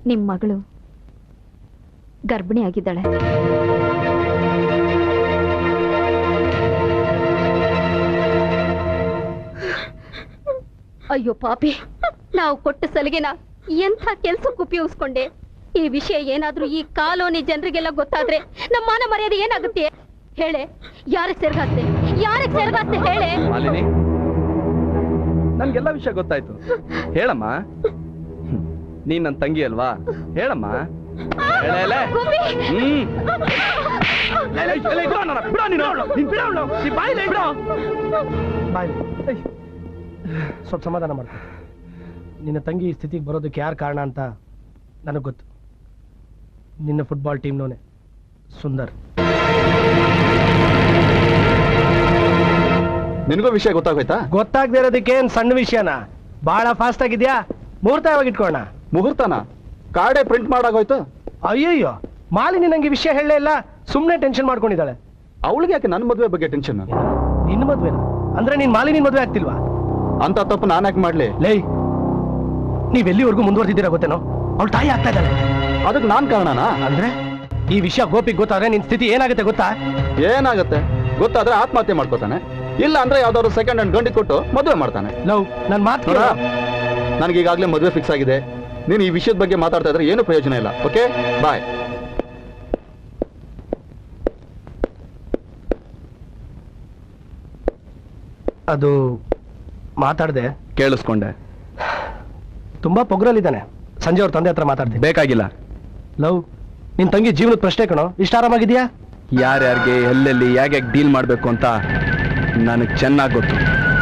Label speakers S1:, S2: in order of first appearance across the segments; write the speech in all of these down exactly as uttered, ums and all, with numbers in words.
S1: ನಿಮ್ಮ ಮಗಳು ಗರ್ಭಿಣಿ ಆಗಿದ್ದಾಳೆ. ಅಯ್ಯೋ ಪಾಪಿ, ನಾವು ಕೊಟ್ಟ ಸಲಿಗೆನ ಎಂಥ ಕೆಲ್ಸಕ್ಕೆ ಉಪಯೋಗಿಸ್ಕೊಂಡೆ. ಈ ವಿಷಯ ಏನಾದ್ರೂ ಈ ಕಾಲೋನಿ ಜನರಿಗೆಲ್ಲ ಗೊತ್ತಾದ್ರೆ ನಮ್ಮ ಮಾನ ಮರ್ಯಾದೆ ಏನಾಗುತ್ತೆ ಹೇಳೆ? ಯಾರಿಗೆ ಸೇರ್ಗಾಸ್ತೆ ಯಾರಿಗೆ ಸೇರ್ಗಾಸ್ತೆ ಹೇಳೆ?
S2: ಮಾಲಿನಿ, ನನ್ಗೆಲ್ಲ ವಿಷಯ ಗೊತ್ತಾಯ್ತು. ಹೇಳಮ್ಮ, ನೀನ್ ನನ್ನ ತಂಗಿ ಅಲ್ವಾ? ಹೇಳಮ್ಮ.
S3: ಸ್ವಲ್ಪ ಸಮಾಧಾನ ಮಾಡ್ತೀನಿ. ನಿನ್ನ ತಂಗಿ ಈ ಸ್ಥಿತಿಗೆ ಬರೋದಕ್ಕೆ ಯಾರು ಕಾರಣ ಅಂತ ನನಗೆ ಗೊತ್ತು. ನಿನ್ನ ಫುಟ್ಬಾಲ್ ಟೀಮ್ನೋನೆ ಸುಂದರ್.
S2: ನಿನಗೂ ವಿಷಯ ಗೊತ್ತಾಗೋಯ್ತಾ?
S3: ಗೊತ್ತಾಗದೇ ಇರೋದಕ್ಕೆ ಏನ್ ಸಣ್ಣ ವಿಷಯನಾ? ಬಹಳ ಫಾಸ್ಟ್ ಆಗಿದ್ಯಾ. ಮುಹೂರ್ತ ಯಾವಾಗ ಇಟ್ಕೊಳ್ಳೋಣ?
S2: ಮುಹೂರ್ತನ ಕಾರ್ಡೇ ಪ್ರಿಂಟ್ ಮಾಡಾಗೋಯ್ತು.
S3: ಅಯ್ಯಯ್ಯೋ, ಮಾಲಿನಿ ನಂಗೆ ವಿಷಯ ಹೇಳಲೇ ಇಲ್ಲ, ಸುಮ್ಮನೆ ಟೆನ್ಷನ್ ಮಾಡ್ಕೊಂಡಿದ್ದಾಳೆ.
S2: ಅವಳಿಗೆ ಯಾಕೆ ನನ್ನ ಮದುವೆ ಬಗ್ಗೆ ಟೆನ್ಷನ್?
S3: ನಿನ್ನ ಮದುವೆ ಅಂದ್ರೆ ನೀನ್ ಮಾಲಿನಿ ಮದುವೆ ಆಗ್ತಿಲ್ವಾ?
S2: ಅಂತ ತಪ್ಪು ನಾನು ಯಾಕೆ ಮಾಡ್ಲಿ?
S3: ಲೈ, ನೀವೆಲ್ಲಿವರೆಗೂ ಮುಂದುವರೆದಿದ್ದೀರಾ ಗೊತ್ತೇನೋ? ಅವಳು ತಾಯಿ ಆಗ್ತಾ ಇದ್ದಾಳೆ.
S2: ಅದಕ್ಕೆ ನಾನ್ ಕಾರಣನಾ?
S3: ಅಂದ್ರೆ ಈ ವಿಷಯ ಗೋಪಿಗೆ ಗೊತ್ತಾದ್ರೆ ನಿನ್ ಸ್ಥಿತಿ ಏನಾಗುತ್ತೆ ಗೊತ್ತಾ?
S2: ಏನಾಗುತ್ತೆ ಗೊತ್ತಾದ್ರೆ ಆತ್ಮಹತ್ಯೆ ಮಾಡ್ಕೋತಾನೆ, ಇಲ್ಲ ಅಂದ್ರೆ ಯಾವ್ದಾದ್ರು ಸೆಕೆಂಡ್ ಹ್ಯಾಂಡ್ ಗಂಡಿ ಕೊಟ್ಟು ಮದುವೆ ಮಾಡ್ತಾನೆ.
S3: ಲವ್, ನನ್ ಮಾತು
S2: ನನಗೀಗಾಗಲೇ ಮದುವೆ ಫಿಕ್ಸ್ ಆಗಿದೆ. ನೀನು ಈ ವಿಷಯದ ಬಗ್ಗೆ ಮಾತಾಡ್ತಾ ಇದ್ರೆ ಏನು ಪ್ರಯೋಜನ ಇಲ್ಲ. Okay, bye.
S3: ಅದು ಮಾತಾಡ್ದೆ
S2: ಕೇಳಿಸ್ಕೊಂಡೆ.
S3: ತುಂಬಾ ಪೊಗ್ರಲ್ಲಿದ್ದಾನೆ. ಸಂಜೆ ಅವ್ರ ತಂದೆ ಹತ್ರ ಮಾತಾಡ್ತೀನಿ.
S2: ಬೇಕಾಗಿಲ್ಲ.
S3: ಲವ್, ನಿನ್ ತಂಗಿ ಜೀವನದ ಪ್ರಶ್ನೆ ಕಣೋ. ಇಷ್ಟ ಆರಾಮಾಗಿದ್ಯಾ?
S2: ಯಾರ್ಯಾರಿಗೆ ಎಲ್ಲೆಲ್ಲಿ ಯಾಕೆ ಡೀಲ್ ಮಾಡ್ಬೇಕು ಅಂತ ನನಗೆ ಚೆನ್ನಾಗಿ ಗೊತ್ತು.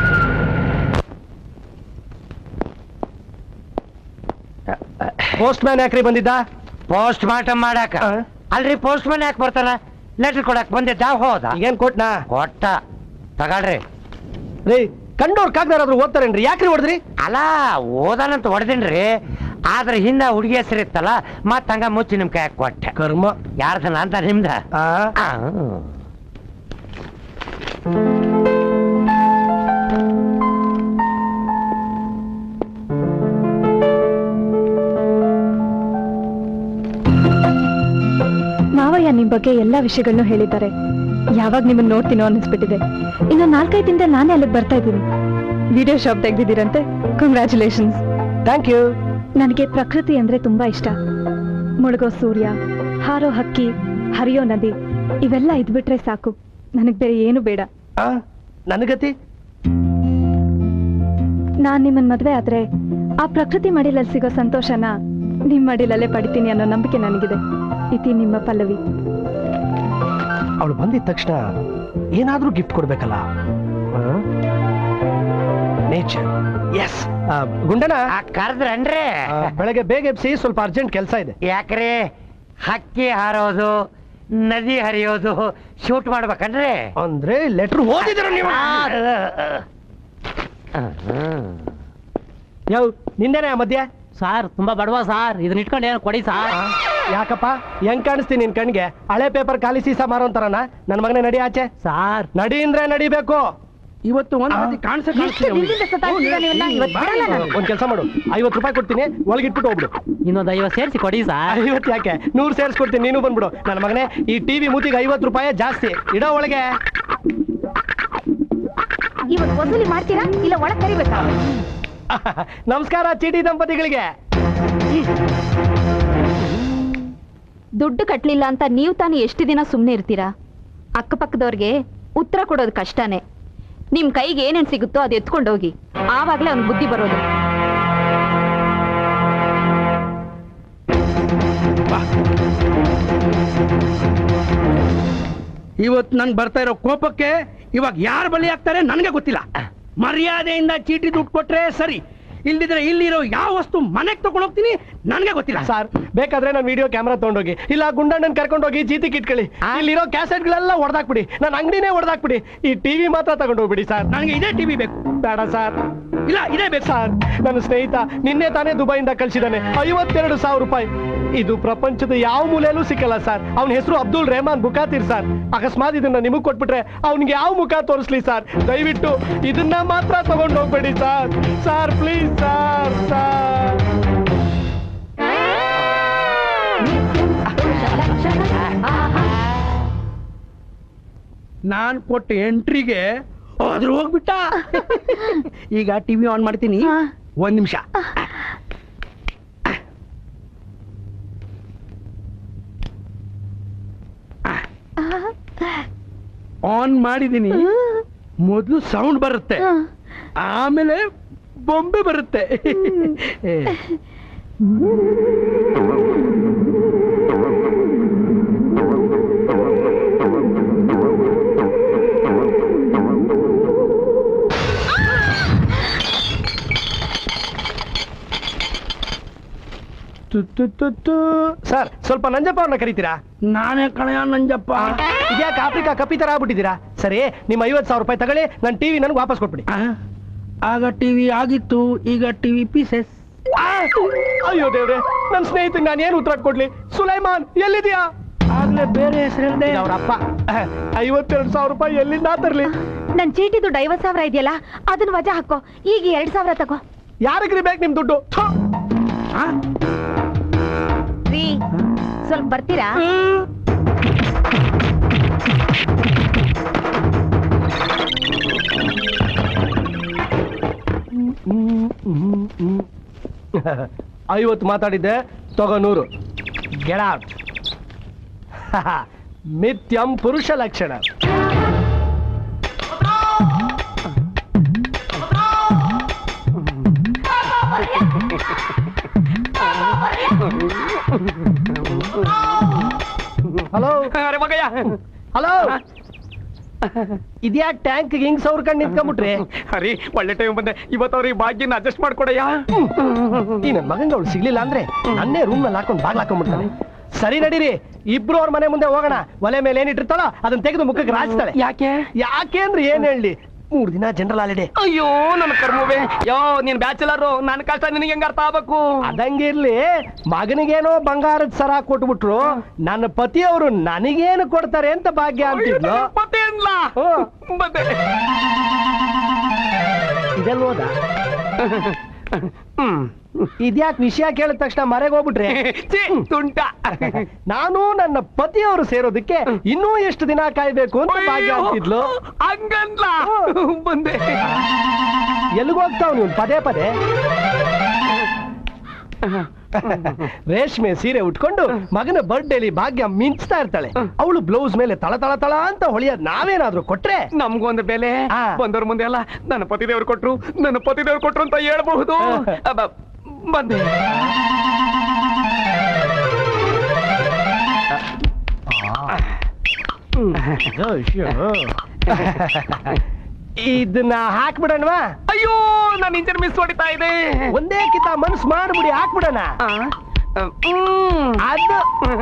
S3: ಪೋಸ್ಟ್ ಮ್ಯಾನ್ ಯಾಕ್ರಿ ಬಂದಿದ್ದ?
S4: ಪೋಸ್ಟ್ ಮಾರ್ಟಮ್ ಮಾಡಾಕ ಅಲ್ರಿ. ಪೋಸ್ಟ್ ಮ್ಯಾನ್ ಯಾಕೆ ಬರ್ತಾನ? ಲೆಟರ್ ಕೊಡಕ್ ಬಂದಿದ್ದ. ಹೋದ.
S3: ಏನ್ ಕೊಟ್ನಾ?
S4: ಕೊಟ್ಟ. ತಗೊಳ್ರಿ.
S3: ರೀ, ಕಂಡೋರ್ ಕಾಗ್ದಾರಾದ್ರೂ ಓದ್ತಾರೇನ್ರಿ? ಯಾಕ್ರಿ ಹೊಡೆದ್ರಿ?
S4: ಅಲ್ಲ, ಓದಾನಂತ ಹೊಡೆದಿನ್ರಿ. ಆದ್ರೆ ಹಿಂದ ಹುಡುಗಿ ಹೆಸರು ಇತ್ತಲ್ಲ, ಮತ್ ಹಂಗ ಮುಚ್ಚಿ ನಿಮ್ ಕೈ ಕೊಟ್ಟೆ.
S3: ಕರ್ಮ.
S4: ಯಾರ್ದನ ಅಂತ ನಿಮ್ದ?
S1: ಮಾವಯ್ಯ ನಿಮ್ ಬಗ್ಗೆ ಎಲ್ಲಾ ವಿಷಯಗಳನ್ನು ಹೇಳಿದ್ದಾರೆ. ಯಾವಾಗ ನಿಮ್ಮನ್ನ ನೋಡ್ತೀನೋ ಅನ್ನಿಸ್ಬಿಟ್ಟಿದೆ. ಇನ್ನು ನಾಲ್ಕೈದು ದಿನದಲ್ಲಿ ನಾನೇ ಅಲ್ಲಿಗೆ ಬರ್ತಾ ಇದ್ದೀನಿ. ವಿಡಿಯೋ ಶಾಪ್ ತೆಗ್ದಿದ್ದೀರಂತೆ. ಕಂಗ್ರ್ಯಾಚುಲೇಷನ್ಸ್.
S3: Thank you.
S1: ನನಗೆ ಪ್ರಕೃತಿ ಅಂದ್ರೆ ತುಂಬಾ ಇಷ್ಟ. ಮುಳುಗೋ ಸೂರ್ಯ, ಹಾರೋ ಹಕ್ಕಿ, ಹರಿಯೋ ನದಿ, ಇವೆಲ್ಲ ಇದ್ಬಿಟ್ರೆ ಸಾಕು. ನನಗ್ ಬೇರೆ ಏನು ಬೇಡ.
S3: ನನಗತಿ
S1: ನಾನ್ ನಿಮ್ಮನ್ ಮದ್ವೆ ಆದ್ರೆ ಆ ಪ್ರಕೃತಿ ಮಡಿಲಲ್ಲಿ ಸಿಗೋ ಸಂತೋಷನ ನಿಮ್ ಮಡಿಲಲ್ಲೇ ಪಡಿತೀನಿ ಅನ್ನೋ ನಂಬಿಕೆ ನನಗಿದೆ. ಇತಿ ನಿಮ್ಮ ಪಲ್ಲವಿ.
S3: ಅವಳು ಬಂದಿದ ತಕ್ಷಣ ಏನಾದ್ರೂ ಗಿಫ್ಟ್ ಕೊಡ್ಬೇಕಲ್ಲ. ನೇಚರ್. ಎಸ್. ಗುಂಡನ
S4: ಕರೆದ್ರನ್ರಿ?
S3: ಬೆಳಗ್ಗೆ ಬೇಗ ಎಬ್ಸಿ, ಸ್ವಲ್ಪ ಅರ್ಜೆಂಟ್ ಕೆಲಸ ಇದೆ.
S4: ಯಾಕ್ರಿ? ಹಕ್ಕಿ ಹಾರೋದು, ನದಿ ಹರಿಯೋದು ಶೂಟ್ ಮಾಡ್ಬೇಕನ್ರಿ?
S3: ಅಂದ್ರೆ ಲೆಟರ್ ಓದಿದ್ರ ನೀವು? ಯಾವ ನಿಂದೇನೆ ಆ ಮಧ್ಯ?
S5: ಸಾರ್ ತುಂಬಾ ಬಡವ ಸಾರ್, ಇದನ್ನ ಇಟ್ಕೊಂಡು ಏನು ಕೊಡಿ ಸಾರ್.
S3: ಯಾಕಪ್ಪ ಹೆಂಗ್ ಕಾಣಿಸ್ತೀನಿ ನಿನ್ ಕಣ್ಗೆ? ಹಳೆ ಪೇಪರ್ ಖಾಲಿ ಸೀಸಾ ಮಾರೋಂತಾರನ? ನನ್ ಮಗನೇ ನಡಿ ಆಚೆ.
S5: ಸಾರ್
S3: ನಡಿ ಅಂದ್ರೆ ನಡಿಬೇಕು.
S5: ಇವತ್ತು ಒಂದ್
S3: ಒಂದ್ ಕೆಲಸ ಮಾಡು, ಐವತ್ತು ರೂಪಾಯಿ ಕೊಡ್ತೀನಿ, ಒಳಗಿಟ್ಬಿಟ್ಟು ಹೋಗ್ಬಿಡು.
S5: ಇನ್ನೊಂದು ಐವತ್ತು ಸೇರಿಸಿ ಕೊಡಿ ಸಾರ್.
S3: ಐವತ್ತು ಯಾಕೆ, ನೂರು ಸೇರಿಸ್ಕೊಡ್ತೀನಿ, ನೀನು ಬಂದ್ಬಿಡು. ನನ್ನ ಮಗನೇ, ಈ ಟಿವಿ ಮೂತಿಗೆ ಐವತ್ತು ರೂಪಾಯಿ ಜಾಸ್ತಿ. ಇಡೋ ಒಳಗೆ.
S1: ಇವತ್ತು ವಸೂಲಿ ಮಾಡ್ತೀರಾ ಇಲ್ಲ ಒಳಗೆ ಕರಿಬೇಕಾ?
S3: ನಮಸ್ಕಾರ ಚೀಟಿ ದಂಪತಿಗಳಿಗೆ.
S1: ದುಡ್ಡು ಕಟ್ಲಿಲ್ಲ ಅಂತ ನೀವು ತಾನು ಎಷ್ಟು ದಿನ ಸುಮ್ಮನೆ ಇರ್ತೀರಾ? ಅಕ್ಕಪಕ್ಕದವ್ರಿಗೆ ಉತ್ತರ ಕೊಡೋದು ಕಷ್ಟನೇ. ನಿಮ್ ಕೈಗೆ ಏನೇನ್ ಸಿಗುತ್ತೋ ಅದು ಎತ್ಕೊಂಡೋಗಿ, ಆವಾಗ್ಲೇ ಅವ್ನ್ ಬುದ್ಧಿ ಬರೋದು.
S5: ಇವತ್ತು ನನ್ ಬರ್ತಾ ಇರೋ ಕೋಪಕ್ಕೆ ಇವಾಗ ಯಾರು ಬಲಿ ಆಗ್ತಾರೆ ನನ್ಗೆ ಗೊತ್ತಿಲ್ಲ. ಮರ್ಯಾದೆಯಿಂದ ಚೀಟಿ ದುಡ್ಡು ಕೊಟ್ರೆ ಸರಿ, ಇಲ್ದಿದ್ರೆ ಇಲ್ಲಿರೋ ಯಾವ ವಸ್ತು ಮನೆಗೆ ತಗೊಂಡು ಹೋಗ್ತೀನಿ ನನ್ಗೆ ಗೊತ್ತಿಲ್ಲ.
S3: ಸರ್, ಬೇಕಾದ್ರೆ ನಾನು ವಿಡಿಯೋ ಕ್ಯಾಮ್ರಾ ತಗೊಂಡೋಗಿ, ಇಲ್ಲ ಗುಂಡಣ್ಣನ್ ಕರ್ಕೊಂಡೋಗಿ ಜೀತಿಗೆ ಇಟ್ಕೊಳ್ಳಿ. ಇಲ್ಲಿರೋ ಕ್ಯಾಸೆಟ್ ಗಳೆಲ್ಲ ಹೊಡೆದಾಕ್ಬಿಡಿ, ನನ್ನ ಅಂಗಡಿನೇ ಹೊಡೆದಾಕ್ಬಿಡಿ. ಈ ಟಿವಿ ಮಾತ್ರ ತಗೊಂಡೋಗ್ಬಿಡಿ ಸರ್.
S5: ನನಗೆ ಇದೇ ಟಿವಿ ಬೇಕು.
S3: ಬೇಡ ಸರ್.
S5: ಇಲ್ಲ ಇದೇ ಬೇಕು
S3: ಸರ್. ನನ್ನ ಸ್ನೇಹಿತ ನಿನ್ನೆ ತಾನೇ ದುಬೈಯಿಂದ ಕಳ್ಸಿದಾನೆ ಐವತ್ತೆರಡು ಸಾವಿರ ರೂಪಾಯಿ. ಇದು ಪ್ರಪಂಚದ ಯಾವ ಮೂಲೆಯಲ್ಲೂ ಸಿಕ್ಕಲ್ಲ ಸರ್. ಅವನ ಹೆಸರು ಅಬ್ದುಲ್ ರೆಹಮಾನ್ ಬುಕಾತಿರ್ ಸರ್. ಅಕಸ್ಮಾತ್ ಇದನ್ನ ನಿಮಗ್ ಕೊಟ್ಬಿಟ್ರೆ ಅವ್ನಿಗೆ ಯಾವ ಮುಖ ತೋರಿಸ್ಲಿ ಸರ್? ದಯವಿಟ್ಟು ಇದನ್ನ ಮಾತ್ರ ತಗೊಂಡು ಹೋಗ್ಬೇಡಿ sir. Sir please sir. Sir
S5: ನಾನ್ ಕೊಟ್ಟ ಎಂಟ್ರಿಗೆ ಅದ್ರ ಹೋಗ್ಬಿಟ್ಟ. ಈಗ ಟಿವಿ ಆನ್ ಮಾಡ್ತೀನಿ, ಒಂದ್ ನಿಮಿಷ. ಆನ್ ಮಾಡಿದೀನಿ. ಮೊದಲು ಸೌಂಡ್ ಬರುತ್ತೆ, ಆಮೇಲೆ ಬೊಂಬೆ ಬರುತ್ತೆ.
S3: ಸರ್, ಸ್ವಲ್ಪ ನಂಜಪ್ಪ ಅವ್ರನ್ನ ಕರೀತೀರಾ?
S5: ನಾನೇ ಕಣಯ ನಂಜಪ್ಪ.
S3: ಇದ್ಯಾಕೆ ಆಫ್ರಿಕಾ ಕಪಿ ತರ ಆಗ್ಬಿಟ್ಟಿದ್ದೀರಾ? ಸರಿ, ನಿಮ್ಮ ಐವತ್ತು ಸಾವಿರ ರೂಪಾಯಿ ತಗೊಳ್ಳಿ, ನನ್ನ ಟಿವಿ ನನಗೆ ವಾಪಸ್ ಕೊಟ್ಬಿಡಿ.
S5: ಆಗ ಟಿವಿ ಆಗಿತ್ತು, ಈಗ ಟಿವಿ ಪೀಸಸ್.
S3: ಅಯ್ಯೋ ದೇವ್ರೆ, ನನ್ನ ಸ್ನೇಹಿತರಿಗೆ ನಾನು ಏನು ಉತ್ತರ ಕೊಡ್ಲಿ? ಸುಲೈಮಾನ್ ಎಲ್ಲಿದ್ಯಾ?
S5: ಆಗ್ಲೇ ಬೇರೆ ಹೆಸರಿಲ್ಲದೆ
S3: ಅವ್ರ ಅಪ್ಪ. ಐವತ್ತೆರಡು ಸಾವಿರ ರೂಪಾಯಿ ಎಲ್ಲಿಂದ ತರ್ಲಿ?
S1: ನನ್ ಚೀಟಿ ದುಡ್ಡು ಐವತ್ ಸಾವಿರ ಇದೆಯಲ್ಲ, ಅದನ್ನ ವಜಾ ಹಾಕೋ. ಈಗ ಎರಡ್ ಸಾವಿರ ತಗೋ.
S3: ಯಾರಿಗ್ರಿ ಬೇಕು ನಿಮ್ ದುಡ್ಡು?
S1: ರೀ, ಸ್ವಲ್ಪ ಬರ್ತೀರಾ?
S3: ಐವತ್ತು ಮಾತಾಡಿದ್ದೆ, ತಗೋ ನೂರು. Get out. ಮಿಥ್ಯಂ ಪುರುಷ ಲಕ್ಷಣ. ಹಲೋ
S5: ಅರೆ ಮಗಯ್ಯ,
S3: ಹಲೋ, ಇದ್ಯಾ ಟ್ಯಾಂಕ್ ಹಿಂಗ್ ಸೌರ್ಕಂಡ್ ನಿಂತ್ಕೊಂಡ್ಬಿಟ್ರಿ?
S5: ಅರಿ ಒಳ್ಳೆ ಟೈಮ್ ಬಂದೆ. ಇವತ್ತು ಅವ್ರಿಗೆ ಭಾಗ್ಯನ ಅಡ್ಜಸ್ಟ್ ಮಾಡ್ಕೊಡಯ್ಯ.
S3: ಈ ನನ್ ಮಗಂಗ ಅವ್ಳು ಸಿಗ್ಲಿಲ್ಲ ಅಂದ್ರೆ ನನ್ನೇ ರೂಮ್ ನಲ್ಲಿ ಹಾಕೊಂಡು ಬಾಗ್ಲ ಹಾಕೊಂಡ್ಬಿಡ್ತಾನೆ. ಸರಿ ನಡೀರಿ, ಇಬ್ರು ಅವ್ರ ಮನೆ ಮುಂದೆ ಹೋಗೋಣ. ಒಲೆ ಮೇಲೆ ಏನಿಟ್ಟಿರ್ತಾಳೋ ಅದನ್ನ ತೆಗೆದು ಮುಖಕ್ಕೆ ರಾಜ್ತಾಳೆ.
S5: ಯಾಕೆ?
S3: ಯಾಕೆ ಅಂದ್ರೆ ಏನ್ ಹೇಳಿ, ಮೂರ್ ದಿನ ಜನರಲ್ ಹಾಲಿಡೇ.
S5: ಅಯ್ಯೋ ನನ್ನ ಕರ್ಮವೇ, ಯೋ ನೀನ್ ಬ್ಯಾಚುಲರ್, ನನ್ನ ಕಷ್ಟ ನಿನಗೆ ಹೆಂಗ ಅರ್ಥ ಆಗ್ಬೇಕು?
S3: ಅದಂಗಿರ್ಲಿ, ಮಗನಿಗೇನೋ ಬಂಗಾರದ ಸರ ಕೊಟ್ಬಿಟ್ರು, ನನ್ನ ಪತಿಯವರು ನನಗೇನು ಕೊಡ್ತಾರೆ ಅಂತ ಭಾಗ್ಯ ಅಂತಿದ್ಲು. ಇದೆಲ್ಲ ಹೋದ? ಇದ್ಯಾಕ್ ವಿಷಯ ಕೇಳಿದ ತಕ್ಷಣ ಮರೆಗೆ ಹೋಗ್ಬಿಟ್ರೆ?
S5: ತುಂಟ.
S3: ನಾನು ನನ್ನ ಪತಿಯವರು ಸೇರೋದಕ್ಕೆ ಇನ್ನೂ ಎಷ್ಟು ದಿನ ಕಾಯ್ಬೇಕು ಅಂತ ಭಾಗ್ಯ ಅಂತಿದ್ಲು.
S5: ಹಂಗಂದ್ಲ ಬಂದೆ.
S3: ಎಲ್ಲಿಗೋಗ್ತಾವ್ ನೀವು ಪದೇ ಪದೇ? ರೇಷ್ಮೆ ಸೀರೆ ಉಟ್ಕೊಂಡು ಮಗನ ಬರ್ಡೇಲಿ ಭಾಗ್ಯ ಮಿಂಚ್ತಾ ಇರ್ತಾಳೆ. ಅವಳು ಬ್ಲೌಸ್ ಮೇಲೆ ತಳ ತಳ ತಳ ಅಂತ ಹೊಳಿಯೋದ್ ನಾವೇನಾದ್ರೂ ಕೊಟ್ರೆ
S5: ನಮ್ಗೊಂದು ಬೆಲೆ. ಬಂದವ್ರ ಮುಂದೆ ಅಲ್ಲ, ನನ್ನ ಪತಿದೇವ್ರು ಕೊಟ್ರು, ನನ್ನ ಪತಿದೇವ್ರು ಕೊಟ್ರು ಅಂತ ಹೇಳ್ಬಹುದು. ಬಂದೆ.
S3: ಇದನ್ನ ಹಾಕ್ಬಿಡಣವಾ?
S5: ಅಯ್ಯೋ, ನನ್ನ ಇಂಜಿನ್ ಮಿಸ್ ಹೊಡಿತಾ ಇದೆ.
S3: ಒಂದೇ ಕಿತ ಮನ್ಸ್ ಮಾಡ್ಬಿಡಿ, ಹಾಕ್ಬಿಡಣ. ಅದು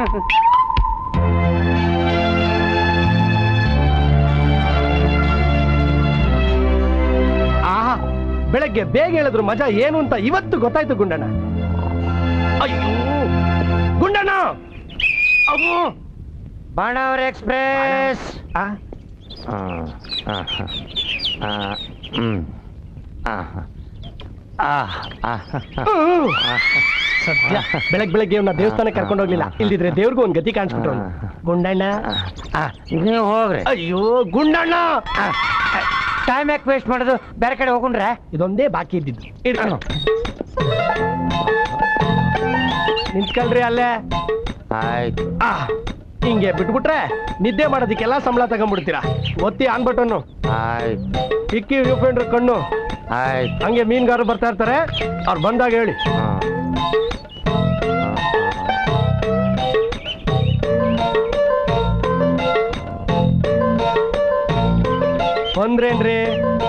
S3: ಆಹಾ, ಬೆಳಗ್ಗೆ ಬೇಗ ಹೇಳಿದ್ರು ಮಜಾ ಏನು ಅಂತ ಇವತ್ತು ಗೊತ್ತಾಯ್ತು ಗುಂಡಣ್ಣ. ಅಯ್ಯೋ ಗುಂಡಣ್ಣ, ಅವು
S4: ಬಾಣಾವರ ಎಕ್ಸ್ಪ್ರೆಸ್.
S3: ಸದ್ಯ ಬೆಳಗ್ ಬೆಳಗ್ಗೆ ಅವ್ನ ದೇವಸ್ಥಾನಕ್ಕೆ ಕರ್ಕೊಂಡು ಹೋಗ್ಲಿಲ್ಲ, ಇಲ್ದಿದ್ರೆ ದೇವ್ರಿಗೂ ಒಂದ್ ಗತಿ ಕಾಣಿಸ್ಬಿಟ್ರು. ಗುಂಡಣ್ಣ
S4: ನೀವು ಹೋಗ್ರಿ.
S3: ಅಯ್ಯೋ ಗುಂಡಣ್ಣ,
S4: ಟೈಮ್ ಯಾಕೆ ವೇಸ್ಟ್ ಮಾಡೋದು? ಬೇರೆ ಕಡೆ ಹೋಗುಣ್ರೆ.
S3: ಇದೊಂದೇ ಬಾಕಿ ಇದ್ದಿದ್ದು. ನಿಂತ್ಕೊಳ್ರಿ ಅಲ್ಲೇ.
S4: ಆಯ್ತು.
S3: ಆ ಹಿಂಗೆ ಬಿಟ್ಬಿಟ್ರೆ ನಿದ್ದೆ ಮಾಡೋದಕ್ಕೆಲ್ಲ ಸಂಬಳ ತಗೊಂಡ್ಬಿಡ್ತೀರಾ. ಒತ್ತಿ ಆನ್ ಬಟನ್ನು.
S4: ಆಯ್ತು.
S3: ಇಕ್ಕಿ ವ್ಯೂಫ್ರೆಂಡ್ರ ಕಣ್ಣು.
S4: ಆಯ್ತು.
S3: ಹಂಗೆ ಮೀನುಗಾರರು ಬರ್ತಾ ಇರ್ತಾರೆ, ಅವ್ರು ಬಂದಾಗ ಹೇಳಿ. ಬಂದ್ರೇನ್ರಿ?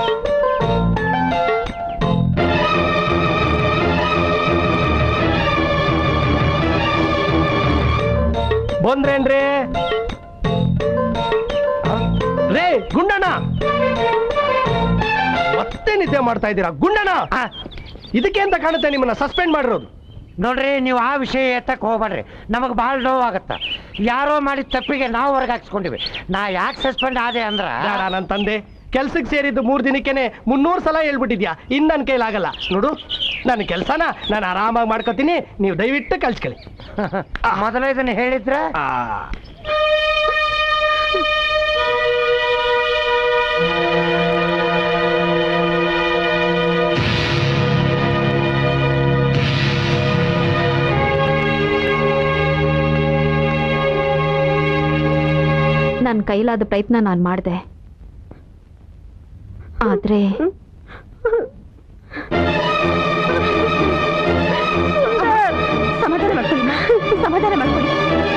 S3: ಬಂದ್ರೇನ್ರಿ? ರೇ ಗುಂಡಣ್ಣ, ಮತ್ತೆ ನಿದ್ದೆ ಮಾಡ್ತಾ ಇದ್ದೀರಾ ಗುಂಡಣ್ಣ? ಇದಕ್ಕೆ ಅಂತ ಕಾಣುತ್ತೆ ನಿಮ್ಮನ್ನ ಸಸ್ಪೆಂಡ್ ಮಾಡಿರೋದು.
S4: ನೋಡ್ರಿ, ನೀವು ಆ ವಿಷಯ ಎತ್ತಕ್ಕೆ ಹೋಗ್ಬೇಡ್ರಿ, ನಮಗೆ ಭಾಳ ನೋವಾಗತ್ತ. ಯಾರೋ ಮಾಡಿದ ತಪ್ಪಿಗೆ ನಾವು ಹೊರಗೆ ಹಾಕ್ಸ್ಕೊಂಡಿವಿ. ನಾ ಯಾಕೆ ಸಸ್ಪೆಂಡ್ ಆದೆ ಅಂದ್ರ,
S3: ನನ್ನ ತಂದೆ ಕೆಲ್ಸಕ್ಕೆ ಸೇರಿದ್ದು ಮೂರ್ ದಿನಕ್ಕೇನೆ ಮುನ್ನೂರು ಸಲ ಹೇಳ್ಬಿಟ್ಟಿದ್ಯಾ. ಇನ್ ನನ್ನ ಕೈಲಾಗಲ್ಲ ನೋಡು. ನನ್ನ ಕೆಲ್ಸನ ನಾನು ಆರಾಮಾಗಿ ಮಾಡ್ಕೋತೀನಿ, ನೀವು ದಯವಿಟ್ಟು ಕಳ್ಸ್ಕೊಳ್ಳಿ.
S4: ಮೊದಲ ಇದನ್ನ ಹೇಳಿದ್ರ
S1: ನನ್ನ ಕೈಲಾದ ಪ್ರಯತ್ನ ನಾನು ಮಾಡಿದೆ, ಆದ್ರೆ ಸಮಾಧಾನ ಮಾಡ್ಕೊಳ್ಳಿ, ಸಮಾಧಾನ ಮಾಡ್ಕೊಳ್ಳಿ.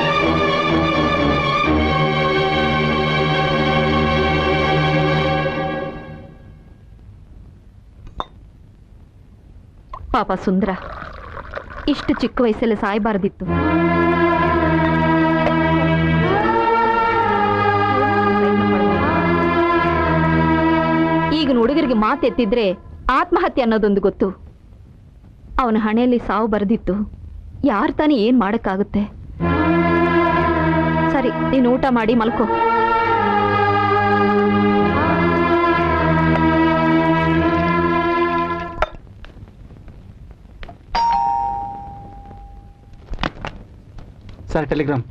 S1: ಪಾಪ ಸುಂದರ ಇಷ್ಟು ಚಿಕ್ಕ ವಯಸ್ಸಲ್ಲಿ ಸಾಯಬಾರದಿತ್ತು. ಈಗಿನ ಹುಡುಗರಿಗೆ ಮಾತೆತ್ತಿದ್ರೆ ಆತ್ಮಹತ್ಯೆ ಅನ್ನೋದೊಂದು ಗೊತ್ತು. ಅವನ ಹಣೆಯಲ್ಲಿ ಸಾವು ಬರೆದಿತ್ತು, ಯಾರು ತಾನೇ ಏನ್ ಮಾಡಕ್ಕಾಗುತ್ತೆ? ಸರಿ, ನೀನು ಊಟ ಮಾಡಿ ಮಲ್ಕೋ.
S2: Sir, telegram.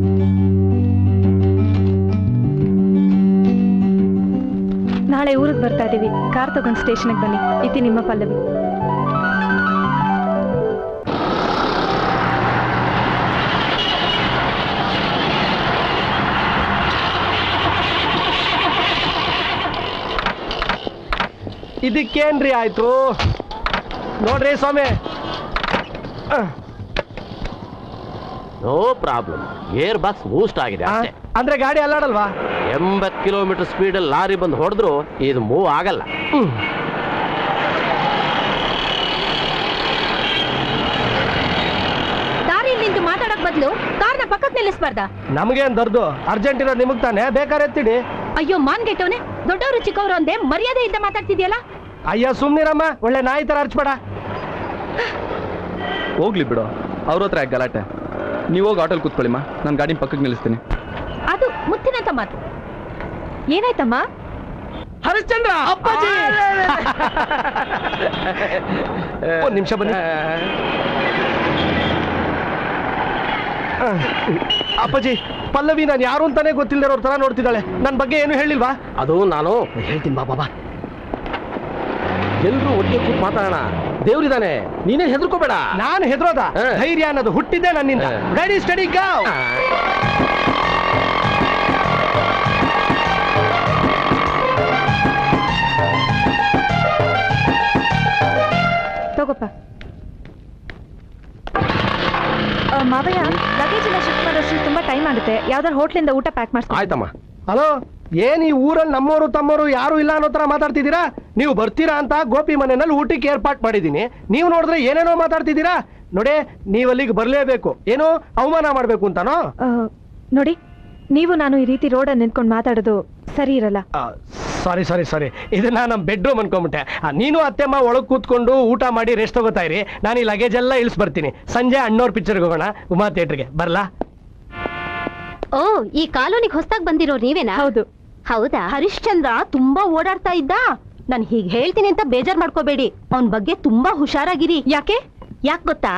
S6: ನಾಳೆ ಊರಿಗೆ ಬರ್ತಾ ಇದೀವಿ, ಕಾರ್ ತಗೊಂಡು ಸ್ಟೇಷನ್ಗೆ ಬನ್ನಿ. ಇತಿ ನಿಮ್ಮ ಪಲ್ಲವಿ.
S3: ಇದಕ್ಕೇನ್ರಿ ಆಯ್ತು ನೋಡ್ರಿ ಸ್ವಾಮಿ.
S7: No problem, gear box boost ಆಗಿದೆ ಅಷ್ಟೇ.
S3: ಅಂದ್ರೆ ಗಾಡಿ ಅಲ್ಲಾಡಲ್ವಾ?
S7: ಎಂಬತ್ತು ಕಿಲೋಮೀಟರ್ ಸ್ಪೀಡಲ್ಲಿ ಲಾರಿ ಬಂದು ಹೊಡೆದ್ರು ಇದು ಮೂವ್ ಆಗಲ್ಲ.
S1: ದಾರಿಯಲ್ಲಿ ನಿಂತು ಮಾತಾಡಕ್ ಬದಲು ಕಾರ್ನ ಪಕ್ಕಕ್ಕೆ ನಿಲ್ಲಿಸಬಾರ್ದ?
S3: ನಮಗೇನ್ ದರ್ದು, ಅರ್ಜೆಂಟ್ ಇರೋದು ನಿಮಗ್ ತಾನೆ, ಬೇಕಾದ್ರೆ ಎತ್ತಿಡಿ.
S1: ಅಯ್ಯೋ ಮಾನ್ಗೆಟ್ಟವನೆ, ದೊಡ್ಡವರು ಚಿಕ್ಕವರು ಅಂದೆ ಮರ್ಯಾದೆಯಿಂದ ಮಾತಾಡ್ತಿದ್ಯಲ್ಲ.
S3: ಅಯ್ಯ ಸುಮ್ನಿರಮ್ಮ, ಒಳ್ಳೆ ನಾಯಿ ತರ ಅರ್ಚ್ಬೇಡ.
S2: ಹೋಗ್ಲಿ ಬಿಡು, ಅವ್ರ ಹತ್ರ ಯಾಕೆ ಗಲಾಟೆ? ನೀವು ಹೋಗಿ ಆಟೋಲ್ ಕೂತ್ಕೊಳ್ಳಿಮ್ಮ, ನಾನು ಗಾಡಿ ಪಕ್ಕಕ್ಕೆ ನಿಲ್ಲಿಸ್ತೀನಿ.
S1: ಅದು ಮುತ್ತಿನಂತ ಮಾತು.
S6: ಏನಾಯ್ತಮ್ಮ?
S3: ಹರಿಶ್ಚಂದ್ರ ಅಪ್ಪಾಜಿ, ಒಂದ್ ನಿಮಿಷ ಬನ್ನಿ. ಅಪ್ಪಾಜಿ, ಪಲ್ಲವಿ ನಾನು ಯಾರು ಅಂತಾನೆ ಗೊತ್ತಿಲ್ಲದಿರೋರ್ ತರ ನೋಡ್ತಿದ್ದಾಳೆ. ನನ್ನ ಬಗ್ಗೆ ಏನು ಹೇಳಿಲ್ವಾ?
S7: ಅದು ನಾನು
S3: ಹೇಳ್ತೀನಿ ಬಾ ಬಾಬಾ.
S7: ಎಲ್ರು ಒಟ್ಟಿಗೆ ಕೂತ್ ಮಾತಾಡೋಣ. ದೇವ್ರಿದಾನೆ, ನೀನೇ ಹೆದರ್ಕೋಬೇಡ.
S3: ನಾನು ಹೆದರೋದ? ಧೈರ್ಯ ಅನ್ನೋದು ಹುಟ್ಟಿದ್ದೆ ನನ್ನಿಂದ. Ready steady go.
S6: ತಗೋಪ್ಪ. ಮಾವಯ್ಯ, ಲಗೇಜ್ ಎಲ್ಲ ಶಿಫ್ಟ್ ಮಾಡೋಷ್ಟು ತುಂಬಾ ಟೈಮ್ ಆಗುತ್ತೆ. ಯಾವ್ದಾರು ಹೋಟ್ಲಿಂದ ಊಟ ಪ್ಯಾಕ್ ಮಾಡ್ತೀನಿ.
S7: ಆಯ್ತಮ್ಮ.
S3: ಹಲೋ, ಏನ್ ಈ ಊರಲ್ಲಿ ನಮ್ಮವರು ತಮ್ಮವರು ಯಾರು ಇಲ್ಲ ಅನ್ನೋ ತರ ಮಾತಾಡ್ತಿದ್ದೀರಾ? ನೀವು ಬರ್ತೀರಾ ಅಂತ ಗೋಪಿ ಮನೆಯಲ್ಲಿ ಊಟಕ್ಕೆ ಏರ್ಪಾಟ್ ಮಾಡಿದೀನಿ. ನೀವು ನೋಡಿದ್ರೆ ಏನೇನೋ ಮಾತಾಡ್ತಿದ್ದೀರಾ. ನೋಡಿ, ನೀವು ಅಲ್ಲಿಗೆ ಬರ್ಲೇಬೇಕು. ಏನೋ ಅವಮಾನ ಮಾಡ್ಬೇಕು ಅಂತಾನೋ?
S6: ನೋಡಿ, ನೀವು ನಾನು ಈ ರೀತಿ ರೋಡಲ್ಲಿ ನಿಂತ್ಕೊಂಡು ಮಾತಾಡೋದು ಸರಿ ಇರಲ್ಲ.
S3: ಸಾರಿ ಸಾರಿ ಸಾರಿ ಇದನ್ನ ನಮ್ ಬೆಡ್ರೂಮ್ ಅನ್ಕೊಂಬಿಟ್ಟೆ. ನೀನು ಅತ್ತೆಮ್ಮ ಒಳಗ್ ಕೂತ್ಕೊಂಡು ಊಟ ಮಾಡಿ ರೆಸ್ಟ್ ತಗೋತಾ ಇರಿ. ನಾನು ಈ ಲಗೇಜ್ ಎಲ್ಲ ಇಳಿಸ್ ಬರ್ತೀನಿ. ಸಂಜೆ ಅಣ್ಣವ್ರ ಪಿಕ್ಚರ್ಗೆ ಹೋಗೋಣ, ಉಮಾ ಥಿಯೇಟರ್ಗೆ. ಬರ್ಲಾ?
S1: ಓ, ಈ ಕಾಲೋನಿಗೆ ಹೊಸದಾಗಿ ಬಂದಿರೋರು ನೀವೇನಾ?
S6: ಹೌದು.
S1: ಹೌದಾ? ಹರಿಶ್ಚಂದ್ರ ತುಂಬಾ ಓಡಾಡ್ತಾ ಇದ್ದ. ನಾನು ಹೀಗೆ ಹೇಳ್ತೀನಿ ಅಂತ ಬೇಜಾರ್ ಮಾಡ್ಕೋಬೇಡಿ. ಅವನ್ ಬಗ್ಗೆ ತುಂಬಾ ಹುಷಾರಾಗಿರಿ.
S6: ಯಾಕೆ?
S1: ಯಾಕೆ ಗೊತ್ತಾ?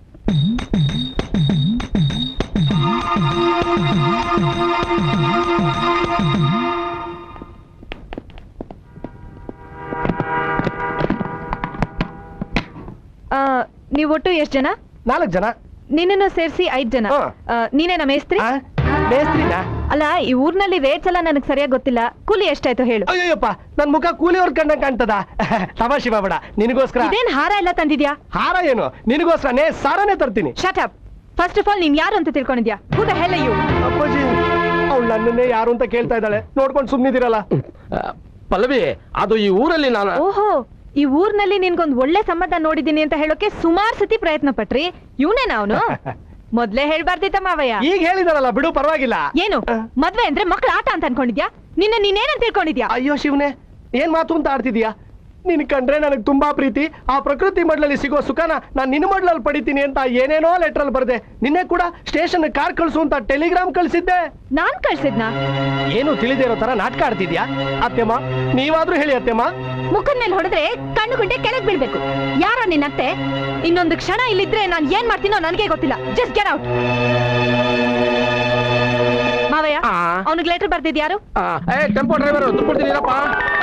S6: ನೀವು ಒಟ್ಟು ಎಷ್ಟು ಜನ?
S3: ನಾಲ್ಕು ಜನ.
S6: ನಿನ್ನನ್ನು ಸೇರಿಸಿ ಐದ್ ಜನ.
S3: ಹಾ.
S6: ಆ, ನೀನೇನ ಮೇಸ್ತ್ರಿ?
S3: ಮೇಸ್ತ್ರಿನಾ?
S6: ಅಲ್ಲ, ಈ ಊರ್ನಲ್ಲಿ ರೇಟ್ಸ್ ಎಲ್ಲ ನನಗೆ ಸರಿಯಾಗಿ ಗೊತ್ತಿಲ್ಲ. ಕೂಲಿ ಎಷ್ಟಾಯ್ತು ಹೇಳು.
S3: ಅಯ್ಯಪ್ಪ, ನನ್ ಮುಖ ಕೂಲಿಯವ್ರ ಕಂಡ ಕಾಣ್ತದ. ತಮಾಷೆ ಮಾಡಬೇಡ. ನಿನಗೋಸ್ಕರ
S6: ಇದೇನ್ ಹಾರ ಎಲ್ಲ ತಂದಿದ್ಯಾ?
S3: ಹಾರ ಏನು, ನಿನಗೋಸ್ಕರನೇ ಸಾರನೇ ತರ್ತೀನಿ.
S6: Shut up. First of all ನೀನ್ ಯಾರು ಅಂತ ತಿಳ್ಕೊಂಡಿದ್ಯಾ? Who the hell are you?
S3: ಅಪ್ಪಾಜಿ, ಅವಳು ನನ್ನನ್ನೇ ಯಾರು ಅಂತ ಕೇಳ್ತಾ ಇದ್ದಾಳೆ. ನೋಡ್ಕೊಂಡು ಸುಮ್ನಿದಿರಲ್ಲ.
S7: ಪಲ್ಲವಿ, ಅದು ಈ ಊರಲ್ಲಿ ನಾನು.
S6: ಓಹೋ, ಈ ಊರ್ನಲ್ಲಿ ನಿನ್ಗೊಂದ್ ಒಳ್ಳೆ ಸಂಬಂಧ ನೋಡಿದೀನಿ ಅಂತ ಹೇಳೋಕೆ ಸುಮಾರು ಸತಿ ಪ್ರಯತ್ನ ಪಟ್ರಿ. ಇವನೇನ ಅವನು? ಮೊದ್ಲೇ ಹೇಳ್ಬಾರ್ದಿತ್ತ ಮಾವಯ್ಯ?
S3: ಈಗ ಹೇಳಿದಾರಲ್ಲ, ಬಿಡು, ಪರವಾಗಿಲ್ಲ.
S6: ಏನು ಮದ್ವೆ ಅಂದ್ರೆ ಮಕ್ಳ ಆಟ ಅಂತ ಅನ್ಕೊಂಡಿದ್ಯಾ? ನಿನ್ನ ನೀನೇನಂತ ತಿಳ್ಕೊಂಡಿದ್ಯಾ?
S3: ಅಯ್ಯೋ ಶಿವನೇ, ಏನ್ ಮಾತು ಅಂತ ಆಡ್ತಿದ್ಯಾ? ನಿನ್ ಕಂಡ್ರೆ ನನಗೆ ತುಂಬಾ ಪ್ರೀತಿ. ಆ ಪ್ರಕೃತಿ ಮಡ್ಲಲ್ಲಿ ಸಿಗೋ ಸುಖನ ನಾನ್ ನಿನ್ನ ಮಡ್ಲಲ್ಲಿ ಪಡಿತೀನಿ ಅಂತ ಏನೇನೋ ಲೆಟರ್ ಅಲ್ಲಿ ಬರ್ದೆ. ನಿನ್ನೆ ಕೂಡ ಸ್ಟೇಷನ್ ಕಾರ್ ಕಳ್ಸು ಅಂತ ಟೆಲಿಗ್ರಾಮ್ ಕಳ್ಸಿದ್ದೆ.
S6: ನಾನ್ ಕಳ್ಸಿದ್ನಾ?
S3: ಏನು ತಿಳಿದೇ ಇರೋ ತರ ನಾಟಕ ಆಡ್ತಿದ್ಯಾ? ಅತ್ತೆಮ್ಮ, ನೀವಾದ್ರೂ ಹೇಳಿ ಅತ್ತೆಮ್ಮ.
S1: ಮುಖದ ಮೇಲೆ ಹೊಡೆದ್ರೆ ಕಣ್ಣು ಗುಂಡೆ ಕೆಳಗ್ ಬೀಳ್ಬೇಕು. ಯಾರೋ ನಿನ್ನತ್ತೆ?
S6: ಇನ್ನೊಂದು ಕ್ಷಣ ಇಲ್ಲಿದ್ರೆ ನಾನ್ ಏನ್ ಮಾಡ್ತೀನೋ ನನಗೆ ಗೊತ್ತಿಲ್ಲ. Just get out. ಮಾವಯ್ಯ
S4: ಆ.
S6: ಅವನಿಗೆ ಲೆಟರ್ ಬರ್ದಿದ್ ಯಾರು?
S4: ಆ, ಏ ಟೆಂಪೋ ಡ್ರೈವರ್ ದುಡ್ಡು ಕೊಡ್ತೀನಿರಪ್ಪ.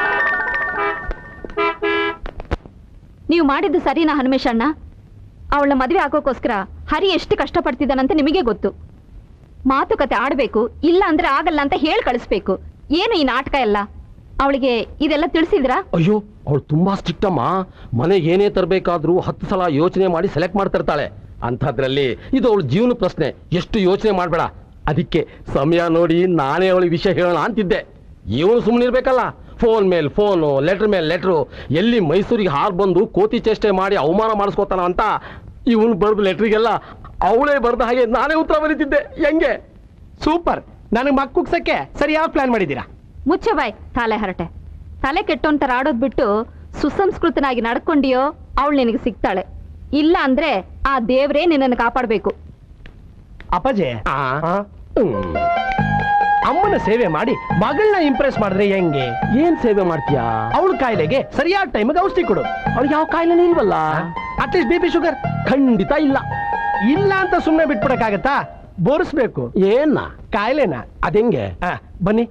S1: ನೀವು ಮಾಡಿದ್ದು ಸರಿನಾ ಹನುಮೇಶ್ ಅಣ್ಣ? ಅವಳ ಮದುವೆ ಆಗೋಕೋಸ್ಕರ ಹರಿ ಎಷ್ಟು ಕಷ್ಟಪಡ್ತಿದ್ದಾನಂತ ನಿಮಗೆ ಗೊತ್ತು. ಮಾತುಕತೆ ಆಡ್ಬೇಕು, ಇಲ್ಲ ಅಂದ್ರೆ ಆಗಲ್ಲ ಅಂತ ಹೇಳಿ ಕಳಿಸ್ಬೇಕು. ಏನು ಈ ನಾಟಕ ಎಲ್ಲ? ಅವಳಿಗೆ ಇದೆಲ್ಲ ತಿಳಿಸಿದ್ರಾ?
S7: ಅಯ್ಯೋ, ಅವಳು ತುಂಬಾ ಸ್ಟ್ರಿಕ್ಟ್ ಅಮ್ಮ. ಮನೆಗೆ ಏನೇ ತರಬೇಕಾದ್ರೂ ಹತ್ತು ಸಲ ಯೋಚನೆ ಮಾಡಿ ಸೆಲೆಕ್ಟ್ ಮಾಡ್ತಿರ್ತಾಳೆ. ಅಂಥದ್ರಲ್ಲಿ ಇದು ಅವಳ ಜೀವನ ಪ್ರಶ್ನೆ, ಎಷ್ಟು ಯೋಚನೆ ಮಾಡಬೇಡ. ಅದಕ್ಕೆ ಸಮಯ ನೋಡಿ ನಾನೇ ಅವಳಿಗೆ ವಿಷಯ ಹೇಳೋಣ ಅಂತಿದ್ದೆ. ಇವನು ಸುಮ್ಮನೆ ಇರ್ಬೇಕಲ್ಲ, ಫೋನ್ ಮೇಲೆ ಫೋನು, ಲೆಟರ್ ಮೇಲೆ ಲೆಟ್ರು, ಎಲ್ಲಿ ಮೈಸೂರಿಗೆ ಹಾರ್ ಬಂದು ಕೋತಿ ಚೇಷ್ಟೆ ಮಾಡಿ ಅವಮಾನ ಮಾಡಿಸ್ಕೋತಾನ ಅಂತ ಇವನು ಬರೆದ ಲೆಟ್ರಿಗೆಲ್ಲ ಅವಳೇ ಬರೆದ ಹಾಗೆ ನಾನೇ ಉತ್ತರ ಬರೀತಿದ್ದೆ. ಹೆಂಗೆ?
S3: ಸೂಪರ್. ನನಗೆ ಮಕ್ಕುಗ್ಸಕ್ಕೆ ಸರಿ ಯಾವ ಪ್ಲಾನ್ ಮಾಡಿದ್ದೀರಾ?
S1: ಮುಚ್ಚ ಬಾಯ್ ತಲೆ ಹರಟೆ. ತಲೆ ಕೆಟ್ಟೋಂತರ ಆಡೋದ್ ಬಿಟ್ಟು ಸುಸಂಸ್ಕೃತನಾಗಿ ನಡ್ಕೊಂಡಿಯೋ ಅವಳು ನಿನಗೆ ಸಿಗ್ತಾಳೆ. ಇಲ್ಲ ಅಂದ್ರೆ ಆ ದೇವ್ರೇ ನಿನ್ನನ್ನು ಕಾಪಾಡಬೇಕು.
S3: ಅಪ್ಪಾಜಿ,
S7: ಆ,
S3: ಆ?
S7: ಹ್ಮ್.
S3: ಅಮ್ಮನ ಸೇವೆ ಮಾಡಿ ಮಗಳನ್ನ ಇಂಪ್ರೆಸ್ ಮಾಡಿದ್ರೆ ಹೆಂಗೆ?
S7: ಏನ್ ಸೇವೆ ಮಾಡ್ತೀಯಾ?
S3: ಅವಳ ಕಾಯಿಲೆಗೆ ಸರಿಯಾದ ಟೈಮಿಗೆ ಔಷಧಿ ಕೊಡು.
S7: ಅವ್ಳಿಗೆ ಯಾವ ಕಾಯಿಲೆ ಇಲ್ವಲ್ಲ.
S3: ಅಟ್ಲೀಸ್ಟ್ ಬಿ ಪಿ ಶುಗರ್
S7: ಖಂಡಿತ ಇಲ್ಲ.
S3: ಇಲ್ಲ ಅಂತ ಸುಮ್ಮನೆ ಬಿಟ್ಬಿಡಕ್ಕಾಗತ್ತಾ? ಬೋರಿಸ್ಬೇಕು
S7: ಏನ
S3: ಕಾಯಿಲೆನ.
S7: ಅದೆಂಗೆ?
S3: ಆ, ಬನ್ನಿ.